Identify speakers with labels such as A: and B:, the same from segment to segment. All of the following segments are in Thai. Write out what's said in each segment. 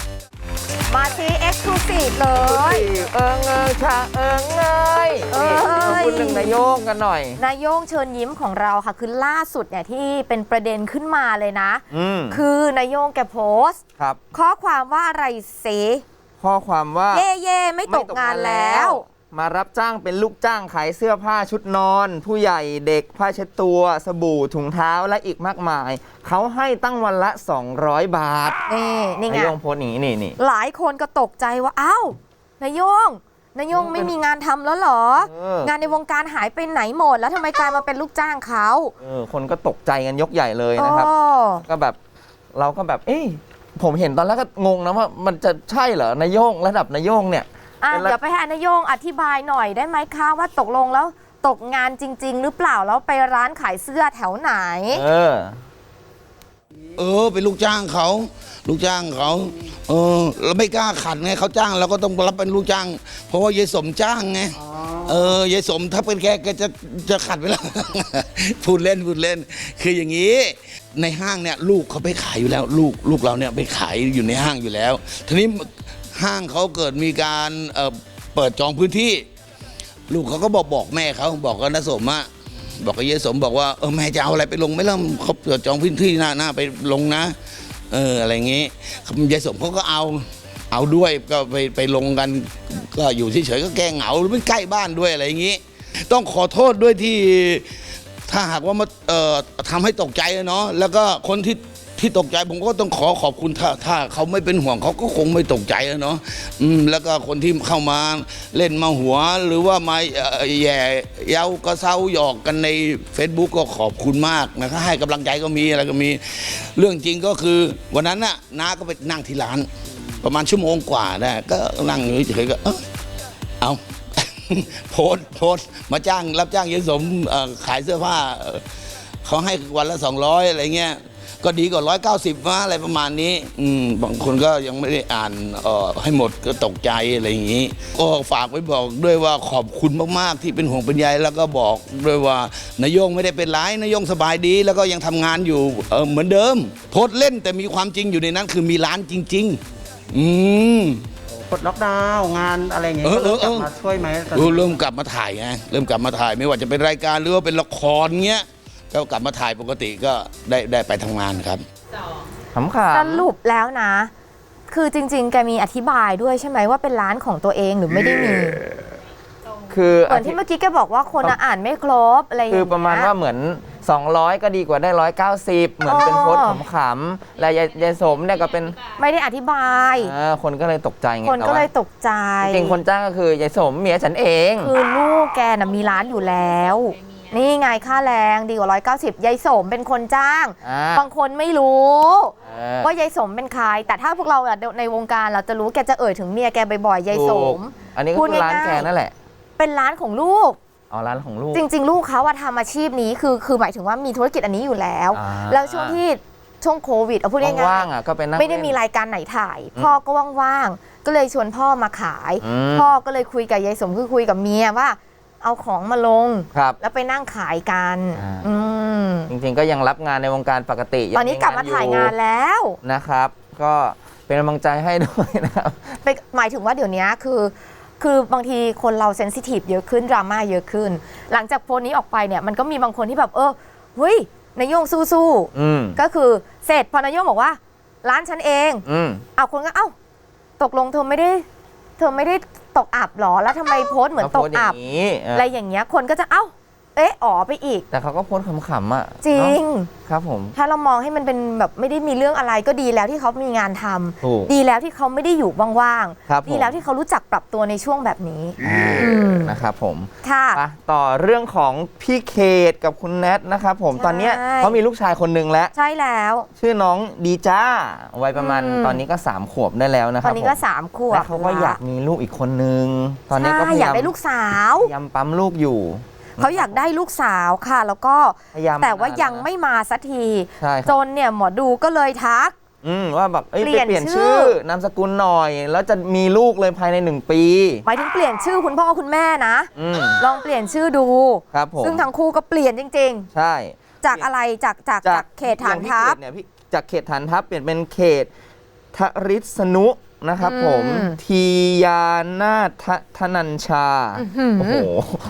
A: มาซีเอ็กซ์คลูซีฟเลย
B: ชาคุณหนึ่งนายโยงกันหน่อย
A: นายโยงเชิญยิ้มของเราค่ะคือล่าสุดเนี่ยที่เป็นประเด็นขึ้นมาเลยนะคือนายโยงแกโพสต์ข้อความว่าอะไรเส
B: ข้อความว่า
A: เย่ไม่ตกงานแล้ว
B: มารับจ้างเป็นลูกจ้างขายเสื้อผ้าชุดนอนผู้ใหญ่เด็กผ้าเช็ดตัวสบู่ถุงเท้าและอีกมากมายเขาให้ตั้งวันละ200 บาท
A: นี่ไง
B: นายโยงโพสต์นี้นี่
A: หลายคนก็ตกใจว่าอ้าวนายโยงไม่มีงานทำแล้วเหรองานในวงการหายไปไหนหมดแล้วทำไมกลายมาเป็นลูกจ้างเขา
B: คนก็ตกใจกันยกใหญ่เลยนะครับก็แบบเราก็แบบผมเห็นตอนแรกก็งงนะว่ามันจะใช่เหรอนายโยงระดับนายโยงเนี่ย
A: เดี๋ยวไปให้นายโยงอธิบายหน่อยได้ไหมคะว่าตกลงแล้วตกงานจริงๆหรือเปล่าแล้วไปร้านขายเสื้อแถวไหน
C: เป็นลูกจ้างเขาเราไม่กล้าขัดไงเขาจ้างเราก็ต้องรับเป็นลูกจ้างเพราะว่ายายสมจ้างไงยายสมถ้าเป็นแกจะขัดไปแล้ว พูดเล่นคืออย่างนี้ในห้างเนี่ยลูกเขาไปขายอยู่แล้วลูกเราเนี่ยไปขายอยู่ในห้างอยู่แล้วทีนี้ห้างเขาเกิดมีการเปิดจองพื้นที่ลูกเขาก็บอกแม่เขาบอกกับน้าสมบอกกับยายสมบอกว่าแม่จะเอาอะไรไปลงไม่เริ่มเขาเปิดจองพื้นที่หน้าไปลงนะอะไรอย่างงี้ยายสมเขาก็เอาด้วยก็ไปลงกันก็อยู่เฉยๆก็แก้เหงาหรือไม่ใกล้บ้านด้วยอะไรอย่างงี้ต้องขอโทษด้วยที่ถ้าหากว่ามาทำให้ตกใจเนาะแล้วก็คนที่ตกใจผมก็ต้องขอบคุณถ้าเขาไม่เป็นห่วงเขาก็คงไม่ตกใจเนาะแล้วก็คนที่เข้ามาเล่นมาหัวหรือว่ามาแย่เย้ากระเซ้าหยอกกันใน Facebook ก็ขอบคุณมากนะครับให้กำลังใจก็มีอะไรก็มีเรื่องจริงก็คือวันนั้นน่ะน้าก็ไปนั่งที่ร้านประมาณชั่วโมงกว่าได้ก็นั่งอยู่เฉยๆก็เอา โพสมารับจ้างยายสมขายเสื้อผ้าเขาให้วันละ200อะไรเงี้ยก็ดีกว่า190ว่าอะไรประมาณนี้บางคนก็ยังไม่ได้อ่านให้หมดก็ตกใจอะไรอย่างนี้ก็ฝากไว้บอกด้วยว่าขอบคุณมากๆที่เป็นห่วงเป็นใยแล้วก็บอกด้วยว่านายโยงไม่ได้เป็นไรนายโยงสบายดีแล้วก็ยังทำงานอยู่เหมือนเดิมโพสเล่นแต่มีความจริงอยู่ในนั้นคือมีร้านจริง
D: ปลดล็อกดาวน์งานอะไรอย่างเงี้ยเริ่มกลับมาช่วยไหม
C: เริ่มกลับมาถ่ายไงเริ่มกลับมาถ่ายไม่ว่าจะเป็นรายการหรือว่าเป็นละครเงี้ยก็กลับมาถ่ายปกติก็ได้ไปทำงานครับ
A: สรุปแล้วนะคือจริงๆแกมีอธิบายด้วยใช่ไหมว่าเป็นร้านของตัวเองหรือไม่ได้มี
B: คือ
A: เหมือนที่เมื่อกี้แกบอกว่าคนอ่านไม่ครบอะไรอย่างเงี้ย
B: คือประมาณว่าเหมือน200ก็ดีกว่าได้190เหมือนเป็นโพสต์ขำๆและยายสมเนี่ยก็เป็น
A: ไม่ได้อธิบาย
B: คนก็เลยตกใจไง
A: คนก็เลยตกใจ
B: จริงคนจ้างก็คือยายสมเมียฉันเอง
A: คือลูกแกน่ะมีร้านอยู่แล้วนี่ไงค่าแรงดีกว่า190ยายสมเป็นคนจ้างบางคนไม่รู้ว่ายายสมเป็นใครแต่ถ้าพวกเราในวงการเราจะรู้แกจะเอ่ยถึงเมียแกบ่อยๆยายสม
B: อันนี้ก็คือร้านแกนั่นแหละ
A: เป็นร้านของลูก
B: ร้านของลูก
A: จริงๆลูกเขาทำอาชีพนี้คือหมายถึงว่ามีธุรกิจอันนี้อยู่แล้วแล้วช่วงโควิดเอาพูดง่ายๆ
B: ว่างๆก็เป็น
A: ไม่ได้มีรายการไหนถ่ายพ่อก็ว่างๆก็เลยชวนพ่อมาขายพ่อก็เลยคุยกับยายสมคือคุยกับเมียว่าเอาของมาลงแล้วไปนั่งขายกัน
B: จริงๆก็ยังรับงานในวงการปกติ
A: ตอนนี้กลับมาถ่ายงานแล้ว
B: นะครับก็เป็นกำลังใจให้ด้วยนะครับ
A: หมายถึงว่าเดี๋ยวนี้คือบางทีคนเราเซนซิทีฟเยอะขึ้นดราม่าเยอะขึ้นหลังจากโพสต์นี้ออกไปเนี่ยมันก็มีบางคนที่แบบเฮ้ยนายโยงสู้ๆก็คือเสร็จพอนายโยงบอกว่าร้านฉันเองเอาคนก็ตกลงเธอไม่ได้ตกอับหรอแล้วทำไมโพสต์เหมือนตกอับอะไรอย่างเงี้ยคนก็จะไปอีก
B: แต่เขาก็โพสต์ขำๆ
A: จริง
B: ครับผม
A: ถ้าเรามองให้มันเป็นแบบไม่ได้มีเรื่องอะไรก็ดีแล้วที่เขามีงานทำดีแล้วที่เขาไม่ได้อยู่ว่างๆดีแล้วที่เขารู้จักปรับตัวในช่วงแบบนี้
B: นะครับผม
A: ค่ะ
B: ต่อเรื่องของพี่เขตกับคุณแนทนะครับผมตอนนี้เขามีลูกชายคนหนึ่งแล้ว
A: ใช่แล้ว
B: ชื่อน้องดีจ้าวัยประมาณตอนนี้ก็3 ขวบได้แล้วนะครับ
A: ตอนนี้ก็3 ขวบ
B: แล้วเขาก็อยากมีลูกอีกคนนึงตอนนี้ก็พยายาม
A: ได้ลูกสาว
B: พยายามปั๊มลูกอยู่
A: เขาอยากได้ลูกสาวค่ะแล้วก็แต่ว่ายังไม่มาสักทีจนเนี่ยหมอดูก็เลยทัก
B: ว่าแบบเปลี่ยนชื่อนามสกุลหน่อยแล้วจะมีลูกเลยภายใน1 ปี
A: หมายถึงเปลี่ยนชื่อคุณพ่อคุณแม่นะลองเปลี่ยนชื่อดู
B: ครับผม
A: ซึ่งทั้งคู่ก็เปลี่ยนจริง
B: ๆใช่
A: จากอะไรจากเขตฐานทัพ
B: เนี่ยพี่จากเขตฐานทัพเปลี่ยนเป็นเขตทริศนุนะครับผมทียานาถธนัญชาโอ้โห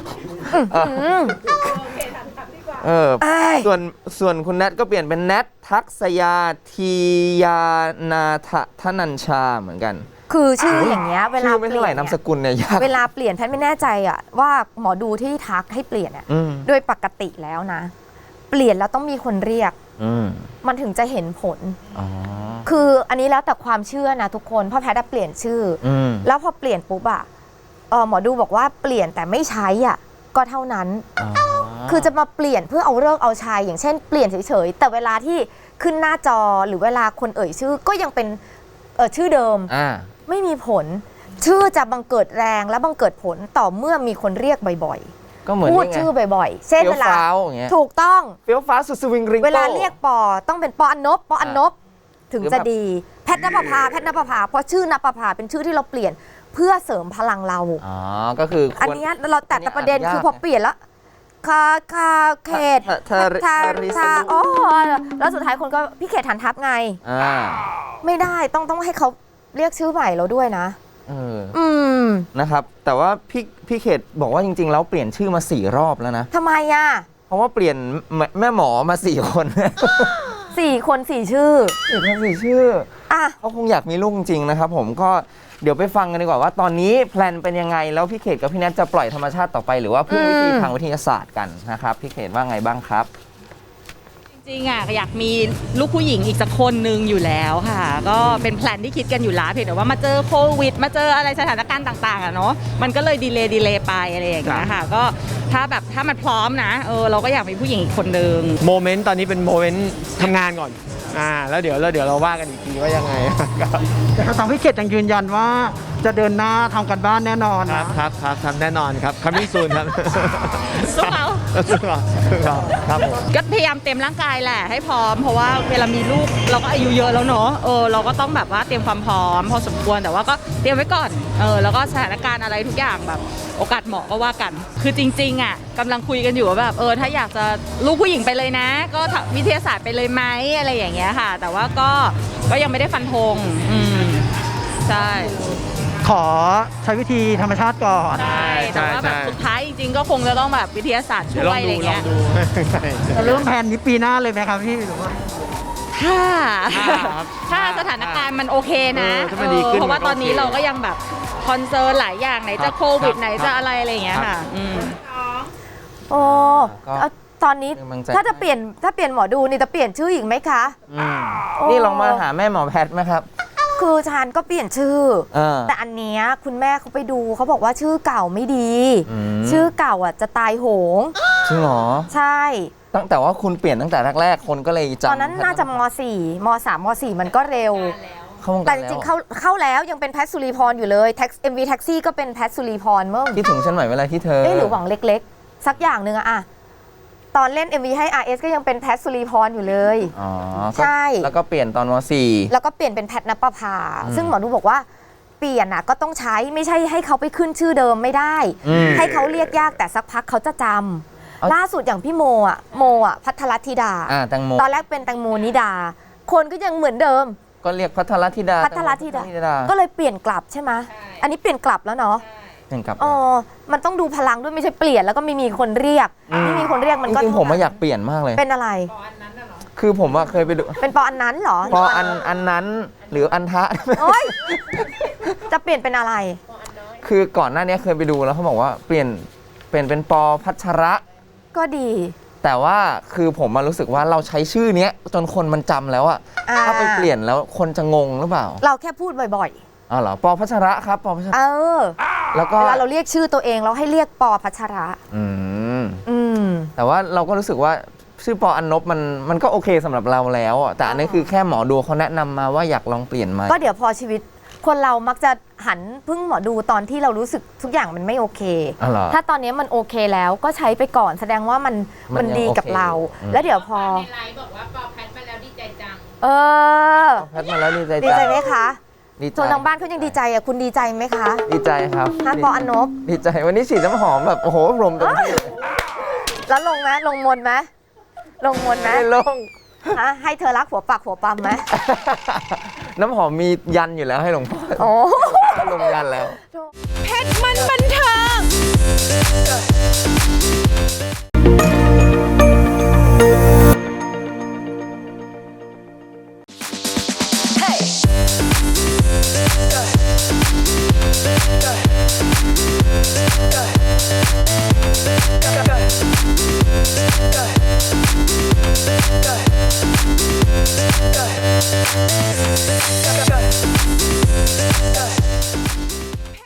B: ส่วนคุณแนทก็เปลี่ยนเป็นแนททักษยาทียานาถธนัญชาเหมือนกัน
A: คือชื่ออย่างเงี้ยเวลา
B: ไม่เท่าไหร่นามสกุลเนี่ยยาก
A: เวลาเปลี่ยนแพทย์ไม่แน่ใจอะว่าหมอดูที่ทักให้เปลี่ยนอะโดยปกติแล้วนะเปลี่ยนแล้วต้องมีคนเรียกมันถึงจะเห็นผลคืออันนี้แล้วแต่ความเชื่อนะทุกคนเพราะแพทย์เปลี่ยนชื่อแล้วพอเปลี่ยนปุ๊บอะหมอดูบอกว่าเปลี่ยนแต่ไม่ใช้อ่ะก็เท่านั้นคือจะมาเปลี่ยนเพื่อเอาเลิกเอาชัยอย่างเช่นเปลี่ยนเฉยๆแต่เวลาที่ขึ้นหน้าจอหรือเวลาคนเอ่ยชื่อก็ยังเป็นชื่อเดิมไม่มีผลชื่อจะบังเกิดแรงและบังเกิดผลต่อเมื่อมีคนเรียกบ่อยๆก็เหมือนพูดชื่อบ่อยๆเช่นเวลาถูกต้อง
B: เฟี้ยวฟ้าสุดสวิงริง
A: เวลาเรียกปอต้องเป็นปออันนบปออันนบถึงจะดีแพทย์ณปภาเพราะชื่อณปภาเป็นชื่อที่เราเปลี่ยนเพื่อเสริมพลังเรา
B: ก็คือ
A: อันนี้เราแต่ประเด็นคือพอเปลี่ยนแล้วคาเขตทาอ๋อแล้วสุดท้ายคนก็พี่เขตฐานทัพไงไม่ได้ต้องให้เขาเรียกชื่อใหม่เราด้วยนะ
B: นะครับแต่ว่าพี่เขตบอกว่าจริงๆแล้วเปลี่ยนชื่อมา4 รอบแล้วนะ
A: ทำไมอ่ะ
B: เพราะว่าเปลี่ยนแม่หมอมา4 คน
A: 4 คน4 ชื่อ
B: 4 ชื่อเขาคงอยากมีลูกจริงนะครับผมก็เดี๋ยวไปฟังกันดีกว่าว่าตอนนี้แพลนเป็นยังไงแล้วพี่เขตกับพี่แนทจะปล่อยธรรมชาติต่อไปหรือว่าพึ่งวิธีทางวิทยาศาสตร์กันนะครับพี่เขตว่าไงบ้างครับ
E: จริงๆอยากมีลูกผู้หญิงอีกสักคนนึงอยู่แล้วค่ะก็เป็นแพลนที่คิดกันอยู่แล้วเพียงแต่ว่ามาเจอโควิดมาเจออะไรสถานการณ์ต่างๆเนาะมันก็เลยดีเลย์ไปอะไรอย่างเงี้ยค่ะก็ถ้ามันพร้อมนะเราก็อยากมีผู้หญิงอีกคนนึง
F: โมเมนต์ตอนนี้เป็นโมเมนต์ทำงานก่อนแล้วเดี๋ยวเราว่ากันอีกทีว่ายังไง
D: แต่ทางพี่เขตยังยืนยันว่าจะเดินหน้าทำกันบ้านแน่นอน
F: ครับแน่นอนครับcoming soon ครับ
E: สู้เขา
F: ครับผม
E: ก็พยายามเตรียมร่างกายแหละให้พร้อมเพราะว่าเวลามีลูกเราก็อายุเยอะแล้วเนาะเราก็ต้องแบบว่าเตรียมความพร้อมพอสมควรแต่ว่าก็เตรียมไว้ก่อนแล้วก็สถานการณ์อะไรทุกอย่างแบบโอกาสเหมาะก็ว่ากันคือจริงๆกำลังคุยกันอยู่ว่าแบบถ้าอยากจะลูกผู้หญิงไปเลยนะก็วิทยาศาสตร์ไปเลยไหมอะไรอย่างเงี้ยค่ะแต่ว่าก็ยังไม่ได้ฟันธงใช่
D: ขอใช้วิธีธรรมชาติก่อน
E: ใช่แต่ว่าแบบสุดท้ายจริงๆก็คงจะต้องแบบวิทยาศาสตร์ช่วยอะไรเงี้ย
D: จะเริ่มแผนนี้ปีหน้าเลยไหมครับพี่หรือว่า
E: ถ้าสถานการณ์มันโอเคนะเพราะว่าตอนนี้เราก็ยังแบบคอนเซิร์นหลายอย่างไหนจะโควิดไหนจะอะไรอย่างเงี้ยค่ะ
A: ตอนนี้ถ้าเปลี่ยนหมอดูนี่จะเปลี่ยนชื่ออีกไหมคะ
B: นี่ลองมาหาแม่หมอแพทย์ไหมครับ
A: คือชานก็เปลี่ยนชื่อแต่อันเนี้ยคุณแม่เขาไปดูเขาบอกว่าชื่อเก่าไม่ดีชื่อเก่าจะตายโหง
B: จริงเหรอ
A: ใช่
B: ตั้งแต่ว่าคุณเปลี่ยนตั้งแต่แรกๆคนก็เลยจำ
A: ตอนนั้นน่าจะม.4 ม.3 ม.4 มันก็เร็วแต่จริงๆเข้าแล้วยังเป็นแพทย์สุรีพรอยู่เลยMV แท็กซี่ก็เป็นแพทย์สุรีพรเมื่อ
B: คิดถึงฉันใหม่เวลาที่เธอ
A: หรือหวังเล็กๆสักอย่างนึงอะตอนเล่น MV ให้ RS ก็ยังเป็นแพทย์สุรีพรอยู่เลยใช่
B: แล้วก็เปลี่ยนตอนม
A: .4 แล้วก็เปลี่ยนเป็นแพทย์ณปภาซึ่งหมอดูบอกว่าเปลี่ยนก็ต้องใช้ไม่ใช่ให้เขาไปขึ้นชื่อเดิมไม่ได้ให้เขาเรียกยากแต่สักพักเขาจะจำล่าสุดอย่างพี่โมภัทรธิดาตอนแรกเป็นแตงโมนิดาคนก็ยังเหมือนเดิม
B: ก็เรียกภัทรธิดา
A: ก็เลยเปลี่ยนกลับใช่ไหมอันนี้เปลี่ยนกลับแล้วเนาะมันต้องดูพลังด้วยไม่ใช่เปลี่ยนแล้วก็ไม่มีคนเรียกไม่มีคนเรียกมันก็
B: จริงๆผมอยากเปลี่ยนมากเลย
A: เป็นอะไร
B: คือผมเคยไปดู
A: เป็นปออันนั้นเหรอ
B: ปออันนั้นหรืออันทะ
A: จะเปลี่ยนเป็นอะไร
B: คือก่อนหน้านี้เคยไปดูแล้วเขาบอกว่าเปลี่ยนเป็นปอพัชระ
A: ก็ดี
B: แต่ว่าคือผมรู้สึกว่าเราใช้ชื่อนี้จนคนมันจำแล้วถ้าไปเปลี่ยนแล้วคนจะงงหรือเปล่า
A: เราแค่พูดบ่อย
B: ๆเหรอปอพัชระครับปอพัชระแล้วก็
A: เวลาเราเรียกชื่อตัวเองเราให้เรียกปอพัชระ
B: แต่ว่าเราก็รู้สึกว่าชื่อปออันนบมันก็โอเคสำหรับเราแล้วแต่อันนี้คือแค่หมอดูเขาแนะนำมาว่าอยากลองเปลี่ยนไหม
A: ก็เดี๋ยวพอชีวิตคนเรามักจะหันพึ่งหมอดูตอนที่เรารู้สึกทุกอย่างมันไม่โอเคถ้าตอนนี้มันโอเคแล้วก็ใช้ไปก่อนแสดงว่ามันดีกับเราแล้วเดี๋ยวพอ
E: ในไลฟ์บอกว่าปอแพทมาแล้วดีใจจัง
B: แพทมาแล้วดี
A: ใจไหมคะส่วนทางบ้านเขายังดีใจคุณดีใจไหมคะ
B: ดีใจครับ
A: ปออันนบ
B: ดีใจวันนี้ฉีดน้ำหอมแบบโอ้โหรมเต็มที่เลย
A: แล้วลงไหมลงมนไหม
B: ไม่ลง
A: ให้เธอรักหัวปากหัวปั๊มไหม
B: น้ำหอมมียันอยู่แล้วให้หลวงพ่อ
A: โอ้
B: ลงยันแล้ว
G: เพชรมันบันเทิง